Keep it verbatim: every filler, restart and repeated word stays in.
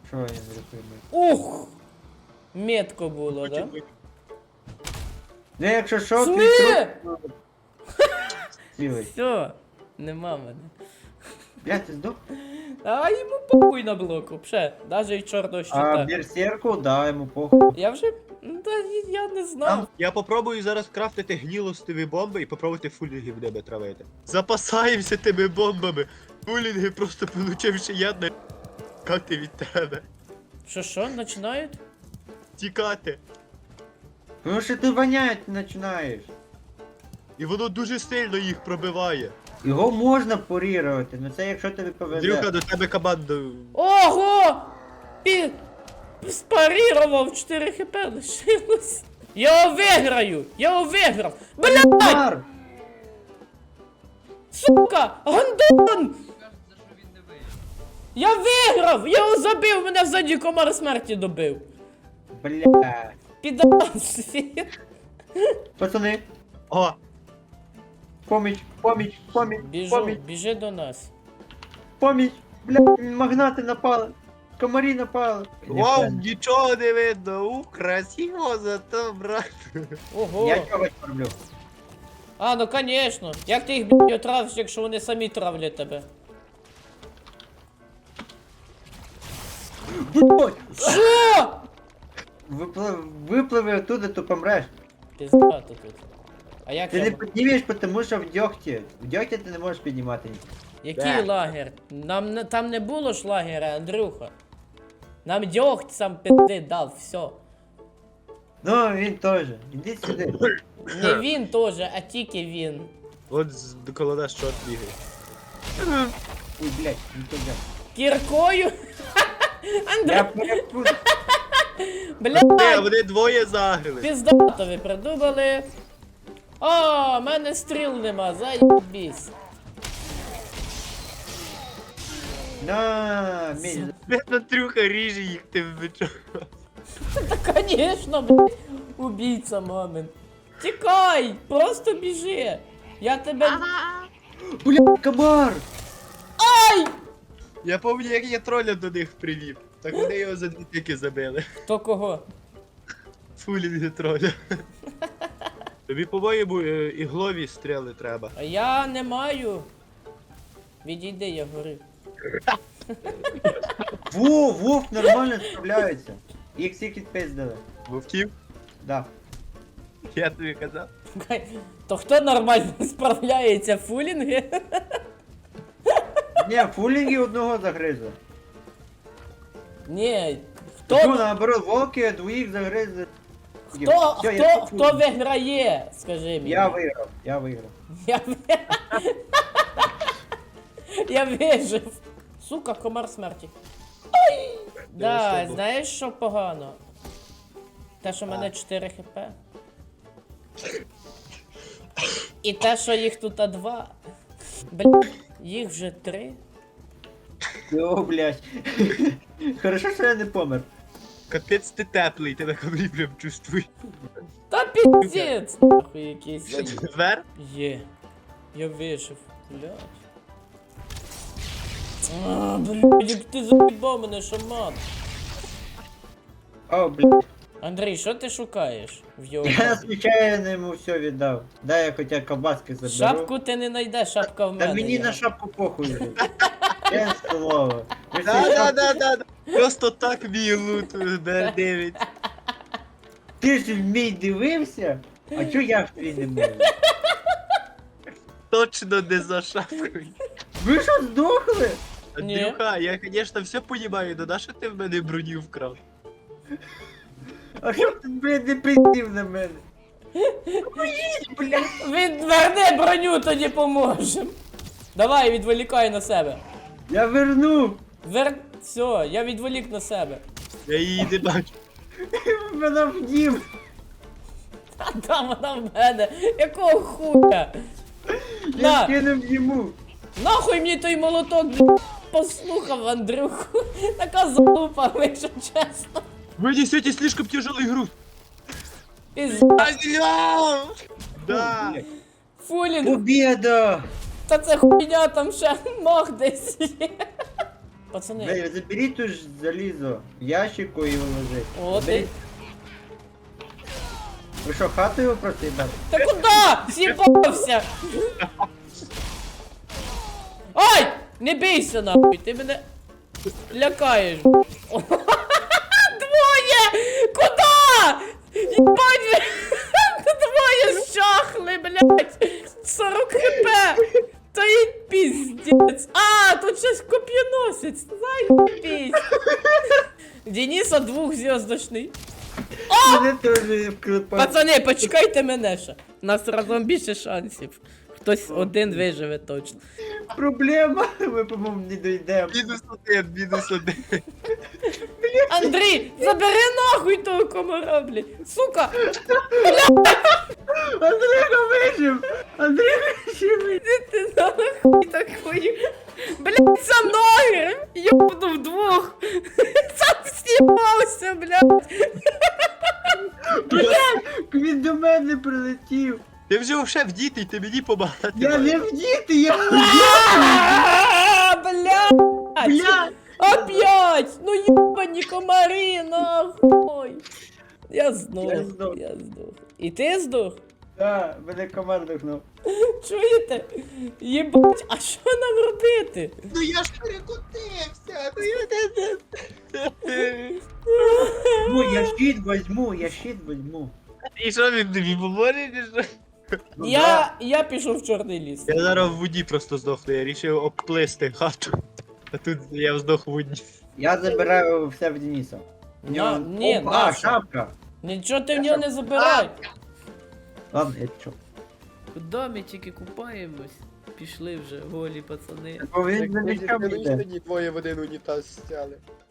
Що я врятую? Ух! Метко було, да? Ну якщо що, Сни! твій труп... Цілий. Все, нема мене. Бля, ти здох? А йому похуй на блоку, пше, навіть і чорного А щита. берсерку, да, йому похуй. Я вже, ну, та я не знав. Я попробую зараз крафтити гнілостиві бомби і попробувати фулінги в небе травити. Запасаємося тими бомбами. Фулінги просто получивши ядне тікати від тебе. Що, що, починають? Тікати. Тому що ти вонять починаєш. І воно дуже сильно їх пробиває. Його можна порірувати, ну це якщо тобі повезе. Андрюха, до тебе команду. Ого! Пі... Спарірував, чотири хп лишилось. Я його виграю! Я його виграв! Блядь! Комар! Сука! Гандон! Я виграв! Я його забив! Мене ззаді комар смерті добив! Бля. Підас! Пацани, О, поміч, поміч, поміч, Біжу, поміч, біжи до нас. поміч. Бля, магнати напали. Комарі напали. вау, нічого не видно. У, красиво зато, брат. Ого! Я чогось роблю. А, ну конечно. Як ти їх, блядь, отравиш, якщо вони самі травлять тебе? Будь! Що? Виплив, випливи оттуда, то помреш. Пиздато тут. А як Ти я... не піднімеш, тому що в дьогті. В дьогті ти не можеш піднімати. Який Да. лагер? Нам не, там не було ж лагеря, Андрюха. Нам дьогть сам пизди дав, все. Ну, він теж. Іди сюди. Не він теж, а тільки він. От з- коло нас чорт бігає. Ой, блядь, не туди. Кіркою? Я Андрюх, перепутав. Е, блядь, вони двоє загрили. пиздато ви придумали. О, в мене стріл нема, заєбісь. На, мій. Андрюха ріже їх тим бичом. Та конечно, блядь, убійця мамин. Тікай, просто біжи. Я тебе... Блядь, комар! Ай! Я пам'ятаю, як я троля до них привів. Так вони його за дві тики забили. То кого? Фулінги троля. Тобі, по-моєму, е, іглові стріли треба. А я не маю. Відійди, я горю. Во, вовк нормально справляється. Їх всіх відпиздили. Вовків? Да. Я тобі казав. То хто нормально справляється? Фулінги? Ні, фулінги одного загризли. Ні. Ну, Хто, наоборот, волки двоїх загризли. хто, Всё, я хто, тут. хто виграє? Скажи мені. Я виграв, я виграв. Я, ви- я вижив. Сука, комар смерті. Ай! Да, що знаєш, що погано? Те, що в мене чотири хп. І те, що їх тут а два. Блядь, їх вже три. О, блядь. Хорошо, що я не помер. Капець ти теплий, ти на камері прям чувствуй. Та піздець! Нахуй якийсь. Звер? Є. Я вижив. Блядь. А, блядь, як ти заїбав мене, шаман. О, блядь. Андрій, що ти шукаєш в його Я шапці? случайно йому все віддав. Дай я хоча колбаски заберу. Шапку ти не знайдеш, шапка в Та мене. мені є. на шапку похуй вже. Я слово. Ви всі Да, да, шапки- да, да. Просто так мій лут д дев'ять. Ти ж в мій дивився? А чо я в твій не можу? Точно не за шапкою. Ви що здохли? Ні. Андрюха, я, конечно, все понимаю, но на що ти в мене броню вкрав? А що ти, блядь, не пиздів на мене? Поїдь, блядь. Відверни броню, тоді поможем. Давай, відволікай на себе. Я вернув. Вер... Все, я відволік на себе. Я її не бачу. Вона вдів. А там вона в мене. Якого хуя? Я На, кинув йому. нахуй мені той молоток, блядь, послухав Андрюху. Така залупа, якщо чесно. Вы несете слишком тяжелый груз. Пізда. Да. Фулінг. Побєда! Та це хуйня, там ще ног десь є. Пацани, Ви заберіть ту ж залізо в ящику і вложи. о, ти... Заберіть. Ви що, хату його просто їбати? Та куди? З'їбався! Ай! Не бійся нахуй, ти мене лякаєш. Двоє! Куда? Єбать! Двоє щахли, блядь! сорок хп! Та й піздець! А, тут щось коп'яносець! Заєбісь! Дениса двохзв'язочний. Мене теж вклепати. Пацани, почекайте мене ще. У нас разом більше шансів. Хтось один виживе точно. Проблема, ми, по-моєму, не дійдемо. Мінус один, мінус один. Андрій, забери нахуй того комара, блядь. Сука! Андрійко вижив! Андрійко вижив! Іди ти нахуй такою. Блядь, за ноги! Йобну вдвох! Сам знімався, блядь! Він до мене прилетів! Ти вже вже вдітий, ти мені помагати. Я маєш. не вдіти, я А, блядь! Бля! Опять! Ну ебані комари, нахуй! Я здох, Я здох. я здох. І ти здох? Да, мене комар дихнув. Чуєте? Єбать, а що нам робити? Ну я ж перекотився, ну я не... Ну, я щит возьму, я щит возьму. І що він тобі поможе, чи що? Ну, Я, да. я пішов в чорний ліс. Я зараз в воді просто здохну, я рішив обплисти хату. А тут я здох в воді. Я забираю все в Дениса. В На, нього- ні, Опа, наша. шапка. Нічого ти в нього не забирай. Ладно, я чо. Куди ми тільки купаємось? Пішли вже, голі пацани. Бо він за мечами йде. двоє в один унітаз стяли.